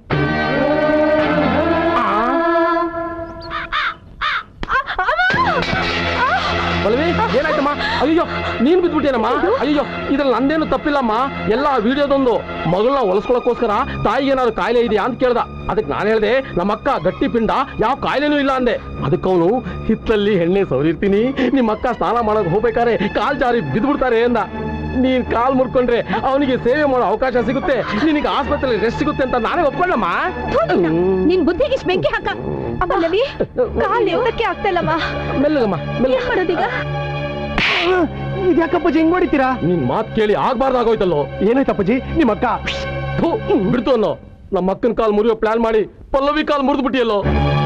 S7: ಬಲ್ವಿ, ಏನಾಯ್ತಮ್ಮ? ಅಯ್ಯೋ, ನೀನ್ ಬಿದ್ಬಿಟ್ಟೇನಮ್ಮ? ಅಯ್ಯೋ, ಇದ್ರಲ್ಲಿ ನಂದೇನು ತಪ್ಪಿಲ್ಲಮ್ಮ. ಎಲ್ಲ ವಿಡಿಯೋದೊಂದು ಮಗಳನ್ನ ಹೊಲಸ್ಕೊಳಕ್ಕೋಸ್ಕರ ತಾಯಿಗೆ ಏನಾದ್ರು ಕಾಯಿಲೆ ಇದೆಯಾ ಅಂತ ಕೇಳ್ದ. ಅದಕ್ಕೆ ನಾನು ಹೇಳ್ದೆ ನಮ್ಮ ಅಕ್ಕ ಗಟ್ಟಿ ಪಿಂಡ, ಯಾವ ಕಾಯಿಲೆನೂ ಇಲ್ಲ ಅಂದೆ. ಅದಕ್ಕೆ ಅವನು ಹಿತ್ತಲ್ಲಿ ಎಣ್ಣೆ ಸವರಿರ್ತೀನಿ, ನಿಮ್ಮ ಅಕ್ಕ ಸ್ನಾನ ಮಾಡಕ್ ಹೋಗ್ಬೇಕಾದ್ರೆ ಕಾಲ್ ಜಾರಿ ಬಿದ್ಬಿಡ್ತಾರೆ ಅಂದ. ನೀನ್ ಕಾಲ್ ಮುರ್ಕೊಂಡ್ರೆ ಅವನಿಗೆ ಸೇವೆ ಮಾಡೋ ಅವಕಾಶ ಸಿಗುತ್ತೆ, ನಿನಗೆ ಆಸ್ಪತ್ರೆಯಲ್ಲಿ ರೆಸ್ಟ್ ಸಿಗುತ್ತೆ ಅಂತ ನಾನೇ ಒಪ್ಕೊಳ್ಳಮ್ಮ.
S1: ನಿನ್ ಬುದ್ಧಿಗೆ ಇಷ್ಟ್ ಬೆಂಕಿ ಹಾಕ.
S6: ಅಮ್ಮಲ್ಲಿ ಕಾಲ್ ಎತ್ತಕ್ಕೆ ಆಗ್ತಾ ಇಲ್ಲಮ್ಮ.
S7: ಮೆಲ್ಲಗಮ್ಮ ಮೆಲ್ಲ.
S6: ಏನ್ ಮಾಡೋದೀಗ?
S3: ಇದ್ಯಾಕಪ್ಪಾಜಿ ಹಿಂಗ್ ಹೊಡಿತೀರಾ?
S7: ನಿನ್ ಮಾತ್ ಕೇಳಿ ಆಗ್ಬಾರ್ದಾಗೋಯ್ತಲ್ಲೋ.
S3: ಏನಾಯ್ತಪ್ಪಾಜಿ? ನಿಮ್ಮ ಅಕ್ಕ
S7: ಥು, ಬಿಡ್ತು ಅನ್ನೋ. ನಮ್ಮ ಅಕ್ಕನ ಕಾಲ್ ಮುರಿಯೋ ಪ್ಲಾನ್ ಮಾಡಿ ಪಲ್ಲವಿ ಕಾಲ್ ಮುರಿದು ಬಿಟ್ಟಿಯಲ್ಲೋ.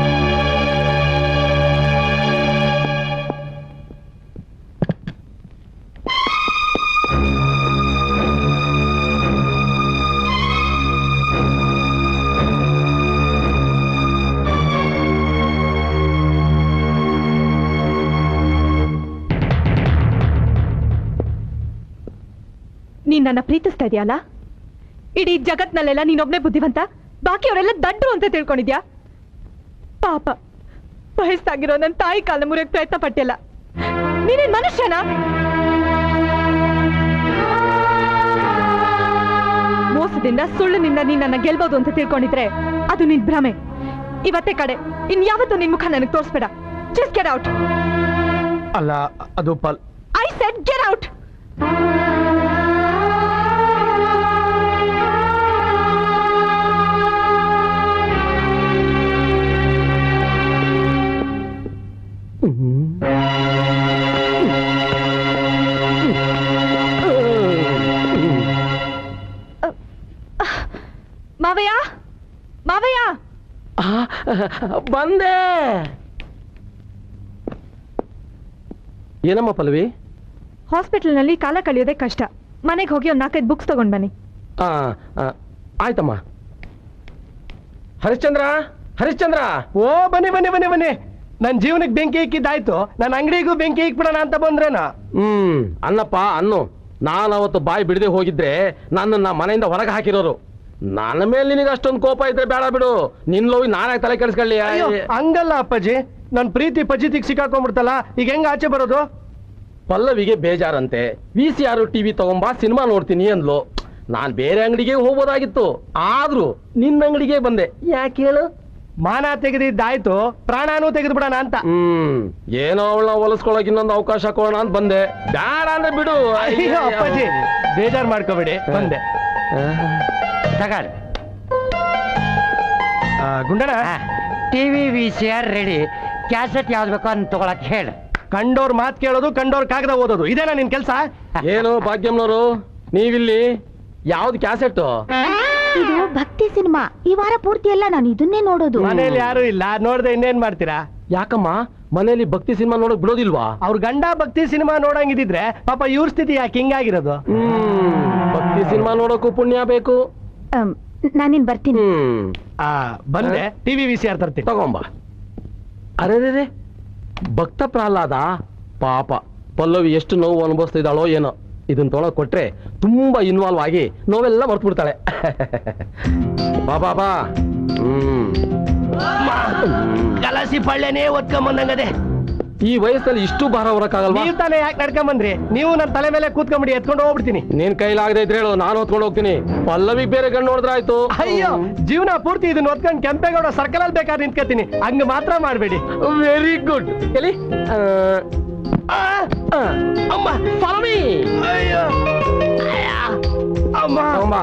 S6: ನೀನ್ ನನ್ನ ಪ್ರೀತಿಸ್ತಾ ಇದೆಯಲ್ಲ? ಇಡೀ ಜಗತ್ನಲ್ಲೆಲ್ಲ ನೀನೊಬ್ನೇ ಬುದ್ಧಿವಂತ, ಬಾಕಿಯವರೆಲ್ಲ ದಡ್ರು ಅಂತ ತಿಳ್ಕೊಂಡಿದ್ಯಾ? ಪಾಪ, ವಯಸ್ಸಾಗಿರೋ ನನ್ನ ತಾಯಿ ಕಾಲ ಮುರಿಯಕ್ ಪ್ರಯತ್ನ ಪಟ್ಟಿಲ್ಲ. ನೀನೇನ್ ಮನುಷ್ಯನಾ? ಮೋಸದಿಂದ ಸುಳ್ಳಿನಿಂದ ನೀನ್ ನನ್ನ ಗೆಲ್ಬಹುದು ಅಂತ ತಿಳ್ಕೊಂಡಿದ್ರೆ ಅದು ನಿನ್ ಭ್ರಮೆ. ಇವತ್ತೇ ಕಡೆ ಇನ್ಯಾವತ್ತೂ ನಿನ್ ಮುಖ ನನಗೆ ತೋರಿಸ್ಬೇಡ. Just get out.
S3: ಅಲ್ಲ, ಅದು ಪಲ್
S6: ಐ ಸೆಡ್ ಗೆಟ್ ಔಟ್. ಮಾವಯ್ಯ, ಮಾವಯ್ಯ,
S7: ಬಂದೆ. ಏನಮ್ಮ ಪಲ್ಲವಿ?
S6: ಹಾಸ್ಪಿಟಲ್ನಲ್ಲಿ ಕಾಲ ಕಳೆಯೋದೇ ಕಷ್ಟ. ಮನೆಗೆ ಹೋಗಿ ಒಂದು ನಾಲ್ಕೈದು ಬುಕ್ಸ್ ತಗೊಂಡ್ ಬನ್ನಿ.
S7: ಆ, ಆ, ಆಯ್ತಮ್ಮ. ಹರಿಶ್ಚಂದ್ರ, ಹರಿಶ್ಚಂದ್ರ.
S3: ಓ, ಬನ್ನಿ ಬನ್ನಿ ಬನ್ನಿ ಬನ್ನಿ. ನನ್ ಜೀವನಕ್ಕೆ ಬೆಂಕಿ ಇಕ್ಕಿದ್ದಾಯ್ತು, ನನ್ನ ಅಂಗಡಿಗೂ ಬೆಂಕಿ ಇಕ್ಬಿಡೋಣ ಅಂತ ಬಂದ್ರೇನ?
S7: ಹ್ಮ್, ಅನ್ನಪ್ಪ ಅನ್ನು. ನಾನು ಅವತ್ತು ಬಾಯಿ ಬಿಡದೆ ಹೋಗಿದ್ರೆ ನನ್ನನ್ನ ಮನೆಯಿಂದ ಹೊರಗೆ ಹಾಕಿರೋರು. ನನ್ನ ಮೇಲೆ ನಿನಗೆ ಅಷ್ಟೊಂದು ಕೋಪ ಇದ್ರೆ ಬೇಡ ಬಿಡು. ನಿನ್ ಲೋವಿ ನಾನೇ ತಲೆ ಕೆಡಿಸ್ಕೊಳ್ಳಿ.
S3: ಅಯ್ಯೋ, ಹಂಗಲ್ಲ ಅಪ್ಪಾಜಿ, ನನ್ ಪ್ರೀತಿ ಪಜಿತಿಗೆ ಸಿಕ್ಕಾಕೊಂಡ್ಬಿಡ್ತಲ್ಲ, ಈಗ ಹೆಂಗ ಆಚೆ ಬರೋದು?
S7: ಪಲ್ಲವಿಗೆ ಬೇಜಾರಂತೆ. ವಿ ಸಿ ಆರ್ ಟಿವಿ ತಗೊಂಬಾ, ಸಿನಿಮಾ ನೋಡ್ತೀನಿ ಅಂದ್ಲು. ನಾನ್ ಬೇರೆ ಅಂಗಡಿಗೆ ಹೋಗ್ಬೋದಾಗಿತ್ತು, ಆದ್ರೂ ನಿನ್ನ ಅಂಗಡಿಗೆ ಬಂದೆ. ಯಾಕೆ ಹೇಳು?
S3: ಮಾನ ತೆಗೆದಿದ್ದಾಯ್ತು, ಪ್ರಾಣನೂ ತೆಗೆದು ಬಿಡೋಣ ಅಂತ.
S7: ಹ್ಮ್, ಏನೋ ಅವಳನ್ನ ಹೊಲಸ್ಕೊಳಕ್ ಇನ್ನೊಂದು ಅವಕಾಶ ಕೊಡೋಣ ಅಂತ ಬಂದೆ. ಬೇಡ ಅಂದ್ರೆ ಬಿಡು.
S3: ಅಯ್ಯೋ ಅಪ್ಪಾಜಿ, ಬೇಜಾರ್ ಮಾಡ್ಕೋಬೇಡಿ, ಬಂದೆ.
S4: ತಗೊಳ್ಳಿ.
S3: ಆ, Gundanna,
S4: TV V C R ready. Cassette ಯಾವ್ದು ಬೇಕೋ ಅಂತ ತಗೊಳಕ್ ಹೇಳು.
S3: ಕಂಡೋರ್ ಮಾತ್ ಕೇಳೋದು, ಕಂಡೋರ್ ಕಾಗದ ಓದೋದು, ಇದೇನಾ ನಿನ್ ಕೆಲ್ಸ?
S7: ಏನು ಭಾಗ್ಯಮ್ನವರು, ನೀವಿಲ್ಲಿ ಯಾವ್ದು ಕ್ಯಾಸೆಟ್?
S8: ಇದು ಭಕ್ತಿ ಸಿನಿಮಾ. ಈ ವಾರ ಪೂರ್ತಿ ಎಲ್ಲ ನಾನು ಇದನ್ನೇ ನೋಡೋದು.
S3: ಮನೇಲಿ ಯಾರು ಇಲ್ಲ, ನೋಡ್ದೆ ಇನ್ನೇನ್ ಮಾಡ್ತೀರಾ?
S7: ಯಾಕಮ್ಮ ಮನೇಲಿ ಭಕ್ತಿ ಸಿನಿಮಾ ನೋಡಕ್ ಬಿಡೋದಿಲ್ವಾ?
S3: ಅವ್ರ ಗಂಡ ಭಕ್ತಿ ಸಿನಿಮಾ ನೋಡಂಗಿದ್ರೆ ಪಾಪ ಇವ್ರ ಸ್ಥಿತಿ ಯಾಕೆ ಹಿಂಗಾಗಿರೋದು?
S7: ಹ್ಮ್, ಭಕ್ತಿ ಸಿನಿಮಾ ನೋಡೋಕು ಪುಣ್ಯ ಬೇಕು.
S8: ನಾನಿನ್ ಬರ್ತೀನಿ.
S7: ಹ್ಮ್,
S3: ಆ, ಬಂದೆ. ಟಿವಿ ವಿ ಸಿ ಆರ್ ತರ್ತೀನಿ,
S7: ತಗೊಂಬ. ಅರೆ, ಭಕ್ತ ಪ್ರಹ್ಲಾದ ಪಾಪ ಪಲ್ಲವಿ ಎಷ್ಟು ನೋವು ಅನುಭವಿಸ್ತಿದ್ದಾಳೋ ಏನೋ. ಇದನ್ನ ತೊಗೊಳಕ್ ಕೊಟ್ರೆ ತುಂಬಾ ಇನ್ವಾಲ್ವ್ ಆಗಿ ನೋವೆಲ್ಲ ಮರ್ತು ಬಿಡ್ತಾಳೆ. ಬಾ ಬಾ ಬಾ. ಹ್ಮ್
S3: ಕಲಸಿ ಪಳ್ಳೆನೇ ಒತ್ಕೊಂಬಂದಂಗದೆ.
S7: ಈ ವಯಸ್ಸಲ್ಲಿ ಇಷ್ಟು ಭಾರ ಹೊರಕ್ಕಾಗಲ್ವಾ?
S3: ನೀವು ತಾನೇ ಯಾಕೆ ನಡ್ಕೊಂಬಂದ್ರಿ? ನೀವು ನನ್ನ ತಲೆ ಮೇಲೆ ಕೂತ್ಕೊಂಬಿಡಿ, ಎತ್ಕೊಂಡು ಹೋಗ್ಬಿಡ್ತೀನಿ.
S7: ನೀನ್ ಕೈಲಾಗದೆ ಇದ್ರೆ ಹೇಳು, ನಾನು ಹೊತ್ಕೊಂಡು ಹೋಗ್ತೀನಿ. ಪಲ್ಲವಿ ಬೇರೆ ಗಂಡು ನೋಡಿದ್ರೆ ಆಯ್ತು.
S3: ಅಯ್ಯೋ, ಜೀವನ ಪೂರ್ತಿ ಇದನ್ನ ಹೊತ್ಕೊಂಡು ಕೆಂಪೇಗೌಡ ಸರ್ಕಲ್ ಅಲ್ಲಿ ಬೇಕಾದ್ರೆ ನಿಂತ್ಕೊತೀನಿ, ಹಂಗ ಮಾತ್ರ ಮಾಡ್ಬೇಡಿ.
S7: Very good. ಎಲ್ಲಿ
S3: ಅಮ್ಮ
S7: ಪಲ್ಲವಿ.
S3: ಅಯ್ಯೋ ಅಮ್ಮ
S7: ಅಮ್ಮ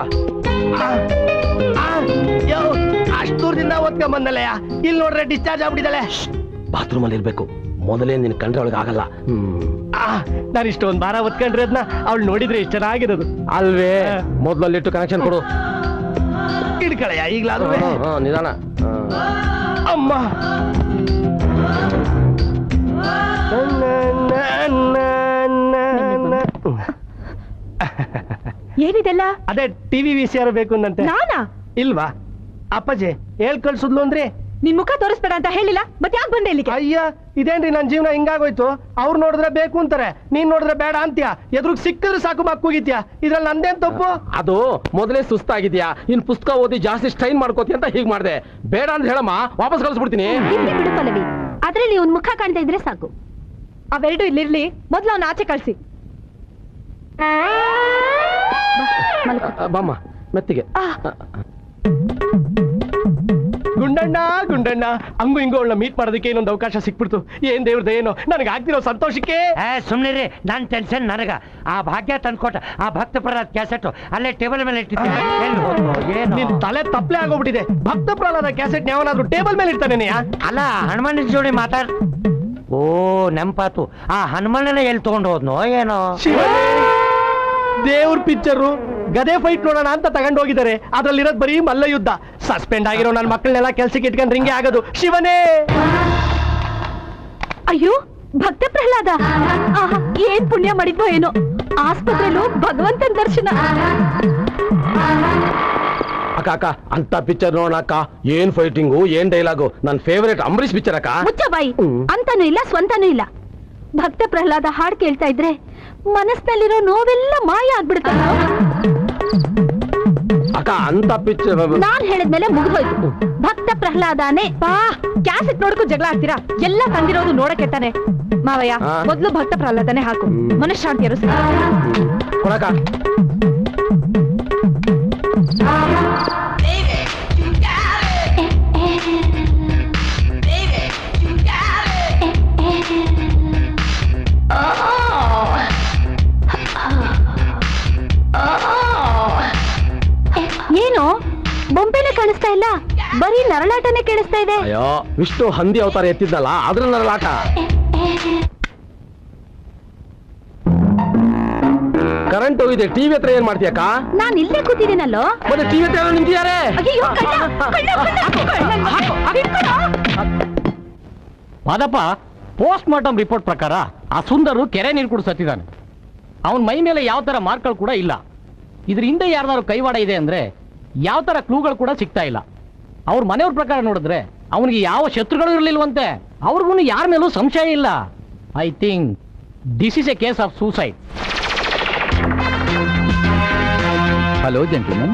S3: ಅಷ್ಟು ದೂರದಿಂದ ಓದ್ಕೊಂಬಂದಲ್ಲಯ್ಯ. ಇಲ್ಲಿ ನೋಡ್ರೆ ಡಿಸ್ಚಾರ್ಜ್ ಆಗ್ಬಿಟ್ಟಿದ್ದಾಳೆ.
S7: ಬಾತ್ರೂಮ್ ಅಲ್ಲಿ ಇರ್ಬೇಕು, ಮೊದಲೇ ನಿನ್ ಕಂಡ್ರೆ ಅವಳಿಗೆ ಆಗಲ್ಲ.
S3: ನಾನು ಇಷ್ಟೊಂದು ಭಾರ ಒತ್ಕೊಂಡ್ರೆ ಅದನ್ನ ಅವಳು ನೋಡಿದ್ರೆ ಇಷ್ಟು ಚೆನ್ನಾಗಿರೋದು
S7: ಅಲ್ವೇ? ಮೊದಲಲ್ಲಿಟ್ಟು ಕನೆಕ್ಷನ್ ಕೊಡು.
S3: ಇಡ್ಕಳಯ್ಯ ಈಗ್ಲಾದ್ರೂ.
S7: ನಿಧಾನ.
S3: ಅಮ್ಮ
S6: ಏನಿದೆಲ್ಲ?
S3: ಅದೇ ಟಿವಿ ವಿ ಸಿ ಆರ್ ಬೇಕು ಅಂತೆ.
S6: ನಾನಾ?
S3: ಇಲ್ವಾ? ಅಪ್ಪಾಜಿ ಹೇಳ್ ಕಳ್ಸುದ್ಲು ಅಂದ್ರೆ.
S6: ನಿನ್ ಮುಖ ತೋರಿಸ್ಬೇಡ ಅಂತ ಹೇಳಿಲ್ಲ, ಮತ್ತೆ ಯಾಕೆ ಬಂದೆ ಇಲ್ಲಿಗೆ?
S3: ಅಯ್ಯ, ಇದೇನ್ರಿ ನನ್ ಜೀವನ ಹಿಂಗಾಗೋಯ್ತು. ಅವ್ರು ನೋಡಿದ್ರೆ ಬೇಕು ಅಂತಾರೆ, ನೀನ್ ನೋಡಿದ್ರೆ ಬೇಡ ಅಂತ್ಯ. ಎದುರು ಸಿಕ್ಕಿದ್ರೆ ಸಾಕು ಮಕ್ಕೂಗಿತ್ಯಾ. ಇದ್ರಲ್ಲಿ ನಂದೇನ್ ತಪ್ಪು?
S7: ಅದು ಮೊದಲೇ ಸುಸ್ತಾಗಿದ್ಯಾ, ಇನ್ ಪುಸ್ತಕ ಓದಿ ಜಾಸ್ತಿ ಸ್ಟ್ರೈನ್ ಮಾಡ್ಕೋತಿ ಅಂತ ಹೀಗ್ ಮಾಡ್ದೆ. ಬೇಡ ಅಂತ ಹೇಳಮ್ಮ, ವಾಪಸ್ ಕಳಿಸ್ಬಿಡ್ತೀನಿ.
S1: ಇರ್ಲಿ ಬಿಡು ಪಲ್ಲವಿ, ಅದ್ರಲ್ಲಿ ಒಂದ್ ಮುಖ ಕಾಣ್ತಾ ಇದ್ರೆ ಸಾಕು.
S6: ಅವೆರಡು ಇಲ್ಲಿರ್ಲಿ, ಮೊದ್ಲು ಅವ್ನ ಆಚೆ ಕಳ್ಸಿ.
S7: ಬಾಮ್ಮ ಮೆತ್ತಿಗೆ.
S3: ಗುಂಡಣ್ಣ ಗುಂಡಣ್ಣ ಹಂಗು ಹಿಂಗು ಅವಳನ್ನ ಮೀಟ್ ಮಾಡೋದಕ್ಕೆ ಇನ್ನೊಂದು ಅವಕಾಶ ಸಿಕ್ಬಿಡ್ತು. ಏನ್ ದೇವ್ರದ್ದು ಏನೋ, ನನಗೆ ಆಗ್ತಿರೋ ಸಂತೋಷಕ್ಕೆ.
S4: ಸುಮ್ನಿರಿ, ನನ್ ಟೆನ್ಷನ್ ನನಗ. ಆ ಭಾಗ್ಯ ತಂದ್ಕೊಟ್ಟ ಆ ಭಕ್ತ ಪ್ರಹ್ಲಾದ್ ಕ್ಯಾಸೆಟ್ ಅಲ್ಲೇ ಟೇಬಲ್ ಮೇಲೆ ಇಟ್ಟಿದ್ದೆ.
S3: ನಿನ್ ತಲೆ ತಪ್ಪಲೆ ಆಗೋಗ್ಬಿಟ್ಟಿದೆ. ಭಕ್ತ ಪ್ರಹ್ಲಾದ ಕ್ಯಾಸೆಟ್ ಯಾವನಾದ್ರೂ ಟೇಬಲ್ ಮೇಲೆ ಇರ್ತಾನೆ?
S4: ಅಲ್ಲ, ಹನುಮನ ಜೋಡಿ ಮಾತಾಡ್. ಓ ನೆಂಪಾತು, ಆ ಹನುಮನನ್ನ ಎಲ್ಲಿ ತಗೊಂಡು ಹೋದ್ನೋ ಏನೋ.
S3: ದೇವ್ರ ಪಿಕ್ಚರು ಗದೆ ಫೈಟ್ ನೋಡೋಣ ಅಂತ ತಗೊಂಡು ಹೋಗಿದ್ದಾರೆ. ಅದ್ರಲ್ಲಿರೋದ್ ಬರೀ ಮಲ್ಲ ಯುದ್ಧ. ಸಸ್ಪೆಂಡ್ ಆಗಿರೋ ನನ್ನ ಮಕ್ಕಳನ್ನೆಲ್ಲ ಕೆಲ್ಸಕ್ಕೆ ಇಟ್ಕೊಂಡ್ರೆ ಹಿಂಗೆ ಆಗೋದು. ಶಿವನೇ!
S1: ಅಯ್ಯೋ, ಭಕ್ತ ಪ್ರಹ್ಲಾದ ಆಹಾ, ಏನ್ ಪುಣ್ಯ ಮಾಡಿದ್ವೋ ಏನೋ. ಆಸ್ಪತ್ರೆಲೂ ಭಗವಂತನ ದರ್ಶನ.
S7: ಅಕ್ಕ ಅಕ್ಕ ಅಂತ ಪಿಕ್ಚರ್ ನೋಡೋಣ ಅಕ್ಕ. ಏನ್ ಫೈಟಿಂಗು, ಏನ್ ಡೈಲಾಗು. ನನ್ ಫೇವರೇಟ್ ಅಂಬರೀಶ್ ಪಿಕ್ಚರ್ ಅಕ್ಕ.
S1: ಮುಚ್ಚ ಬಾಯಿ. ಅಂತಾನೂ ಇಲ್ಲ, ಸ್ವಂತನೂ ಇಲ್ಲ. ಭಕ್ತ ಪ್ರಹ್ಲಾದ ಹಾಡ್ ಕೇಳ್ತಾ ಇದ್ರೆ ಮನಸ್ಸಿನಲ್ಲಿರೋ ನೋವೆಲ್ಲ ಮಾಯ ಆಗ್ಬಿಡುತ್ತೆ.
S7: ಅಕ್ಕ ಅಂತ ಪಿಕ್ಚರ್
S1: ನಾನ್ ಹೇಳಿದ್ಮೇಲೆ ಮುಗಿದೋಯ್ತು. ಭಕ್ತ ಪ್ರಹ್ಲಾದನೇ.
S6: ಬಾ, ಕ್ಯಾಸೆಟ್ ನೋಡಕ್ಕೂ ಜಗಳ ಆಗ್ತೀರಾ? ಎಲ್ಲ ತಂದಿರೋದು ನೋಡಕ್ಕೆ ತಾನೆ. ಮಾವಯ್ಯ, ಮೊದ್ಲು ಭಕ್ತ ಪ್ರಹ್ಲಾದನೇ ಹಾಕು, ಮನಃಶಾಂತಿಯರು
S7: ಕೊಡಕ.
S1: ಏನು ಬೊಂಬೆನೆ ಕಾಣಿಸ್ತಾ ಇಲ್ಲ, ಬರೀ ನರಳಾಟನೇ ಕೇಳಿಸ್ತಾ ಇದೆ.
S7: ಅಯ್ಯೋ, ವಿಷ್ಣು ಹಂದಿ ಅವತಾರ ಎತ್ತಿದ್ದಲ್ಲ, ಅದ್ರ ನರಳಾಟ. ಕರೆಂಟ್ ಹೋಗಿದೆ, ಟಿವಿ ಹತ್ರ ಏನ್ ಮಾಡ್ತೀಯಕ್ಕ?
S1: ನಾನ್ ಇಲ್ಲೇ ಕೂತಿದ್ದೀನಲ್ಲೋ.
S7: ಮತ್ತೆ ಟಿವಿ ಹತ್ರ ಯಾರೋ ನಿಂತಿದ್ದಾರೆ.
S1: ಅಯ್ಯೋ, ಕಳ್ಳ, ಕಳ್ಳ, ಕಳ್ಳ, ಹಿಡ್ಕೊಳೋ.
S9: ಮಾದಪ್ಪ, ಪೋಸ್ಟ್ ಮಾರ್ಟಮ್ ರಿಪೋರ್ಟ್ ಪ್ರಕಾರ ಆ ಸುಂದರು ಕೆರೆ ನೀರು ಕುಡಿಸತ್ತಿದ್ದಾನೆ. ಅವನ ಮೈ ಮೇಲೆ ಯಾವ ತರ ಮಾರ್ಕ್ಗಳು ಕೂಡ ಇಲ್ಲ. ಇದ್ರ ಹಿಂದೆ ಯಾರ್ದಾರು ಕೈವಾಡ ಇದೆ ಅಂದ್ರೆ ಯಾವ ತರ ಕ್ಲೂಗಳು ಕೂಡ ಸಿಗ್ತಾ ಇಲ್ಲ. ಅವ್ರ ಮನೆಯವ್ರ ಪ್ರಕಾರ ನೋಡಿದ್ರೆ ಅವನಿಗೆ ಯಾವ ಶತ್ರುಗಳು ಇರಲಿಲ್ವಂತೆ. ಅವ್ರಿಗೂ ಯಾರ ಮೇಲೂ ಸಂಶಯ ಇಲ್ಲ. I think this is a case of suicide.
S10: Hello gentleman,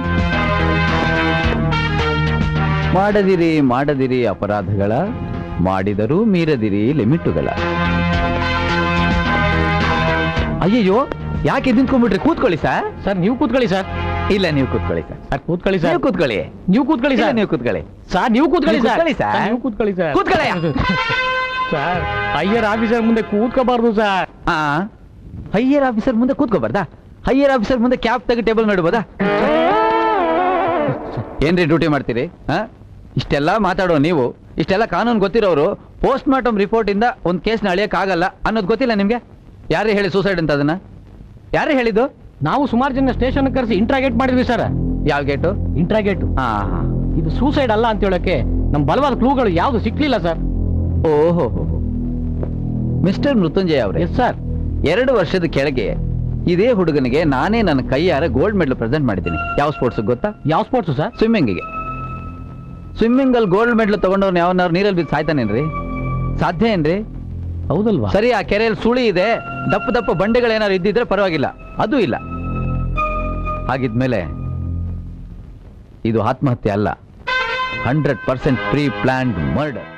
S10: ಮಾಡದಿರಿ ಮಾಡದಿರಿ ಅಪರಾಧಗಳ, ಮಾಡಿದರೂ ಮೀರದಿರಿ ಲಿಮಿಟುಗಳ. ಅಯ್ಯಯ್ಯೋ, ಯಾಕೆ ನಿಂತ್ಕೊಂಡ್ಬಿಟ್ರಿ? ಕೂತ್ಕೊಳ್ಳಿ ಸರ್.
S9: ಸರ್ ನೀವು ಕೂತ್ಕೊಳ್ಳಿ ಸರ್.
S10: ಇಲ್ಲ, ನೀವು ಕೂತ್ಕೊಳ್ಳಿ ಸರ್.
S9: ಸರ್ ಕೂತ್ಕೊಳ್ಳಿ ಸರ್.
S10: ನೀವು ಕೂತ್ಕೊಳ್ಳಿ.
S9: ನೀವು ಕೂತ್ಕೊಳ್ಳಿ ಸರ್.
S10: ನೀವು ಕೂತ್ಕೊಳ್ಳಿ
S9: ಸರ್. ನೀವು ಕೂತ್ಕೊಳ್ಳಿ ಸರ್.
S10: ಸರ್.
S9: ನೀವು ಕೂತ್ಕೊಳ್ಳಿ ಸರ್.
S10: ಕೂತ್ಕೊಳ್ಳಿ
S9: ಸರ್. ಹೈಯರ್ ಆಫೀಸರ್ ಮುಂದೆ ಕೂತ್ಕೋಬಾರ್ದು ಸರ್.
S10: ಆ ಹೈಯರ್ ಆಫೀಸರ್ ಮುಂದೆ ಕೂತ್ಕೋಬಾರ್ದಾ? ಹೈಯರ್ ಆಫೀಸರ್ ಮುಂದೆ ಕ್ಯಾಪ್ ತೆಗೆ ಟೇಬಲ್ ನೋಡ್ಬೋದಾ? ಏನ್ರಿ ಡ್ಯೂಟಿ ಮಾಡ್ತೀರಿ? ಹಾ, ಇಷ್ಟೆಲ್ಲ ಮಾತಾಡೋ ನೀವು, ಇಷ್ಟೆಲ್ಲ ಕಾನೂನು ಗೊತ್ತಿರೋರು ಪೋಸ್ಟ್ ಮಾರ್ಟಮ್ ರಿಪೋರ್ಟ್ ಇಂದ ಒಂದು ಕೇಸ್ನ ಅಳಿಯಕ್ ಆಗಲ್ಲ ಅನ್ನೋದು ಗೊತ್ತಿಲ್ಲ ನಿಮ್ಗೆ? ಯಾರೇ ಹೇಳಿ ಸೂಸೈಡ್ ಅಂತ? ಅದನ್ನ ಯಾರೇ ಹೇಳಿದ್ದು?
S9: ನಾವು ಸುಮಾರು ಜನ ಸ್ಟೇಷನ್ ಕರೆಸಿ ಇಂಟ್ರಾಗೇಟ್ ಮಾಡಿದ್ವಿ ಸರ್.
S10: ಯಾವ ಗೇಟು?
S9: ಇಂಟ್ರಾಗೇಟ್.
S10: ಹಾ,
S9: ಇದು ಸೂಸೈಡ್ ಅಲ್ಲ ಅಂತ ಹೇಳಕ್ಕೆ ನಮ್ ಬಲವಾದ ಕ್ಲೂಗಳು ಯಾವ್ದು ಸಿಕ್ಲಿಲ್ಲ ಸರ್.
S10: ಓಹೋ, ಮಿಸ್ಟರ್ ಮೃತ್ಯುಂಜಯ ಅವರೇ.
S9: Yes sir.
S10: ಎರಡು ವರ್ಷದ ಕೆಳಗೆ ಇದೇ ಹುಡುಗನಿಗೆ ನಾನೇ ನನ್ನ ಕೈಯಾರ ಗೋಲ್ಡ್ ಮೆಡಲ್ ಪ್ರೆಸೆಂಟ್ ಮಾಡಿದ್ದೀನಿ. ಯಾವ ಸ್ಪೋರ್ಟ್ಸ್ ಗೊತ್ತಾ?
S9: ಯಾವ ಸ್ಪೋರ್ಟ್ಸ್ ಸರ್?
S10: ಸ್ವಿಮ್ಮಿಂಗಿಗೆ. ಸ್ವಿಮ್ಮಿಂಗ್ ಅಲ್ಲಿ ಗೋಲ್ಡ್ ಮೆಡಲ್ ತಗೊಂಡವ್ರು ಯಾವನಾರು ನೀರಲ್ಲಿ ಬಿದ್ದು ಸಾಯ್ತಾನೇನ್ರಿ? ಸಾಧ್ಯ ಏನ್ರಿ?
S9: ಹೌದಲ್ವಾ?
S10: ಸರಿ, ಆ ಕೆರೆಯಲ್ಲಿ ಸುಳಿ ಇದೆ, ದಪ್ಪ ದಪ್ಪ ಬಂಡೆಗಳೇನಾದ್ರು ಇದ್ದಿದ್ರೆ ಪರವಾಗಿಲ್ಲ, ಅದೂ ಇಲ್ಲ. ಹಾಗಿದ್ಮೇಲೆ ಇದು ಆತ್ಮಹತ್ಯೆ ಅಲ್ಲ, hundred percent pre planned murder.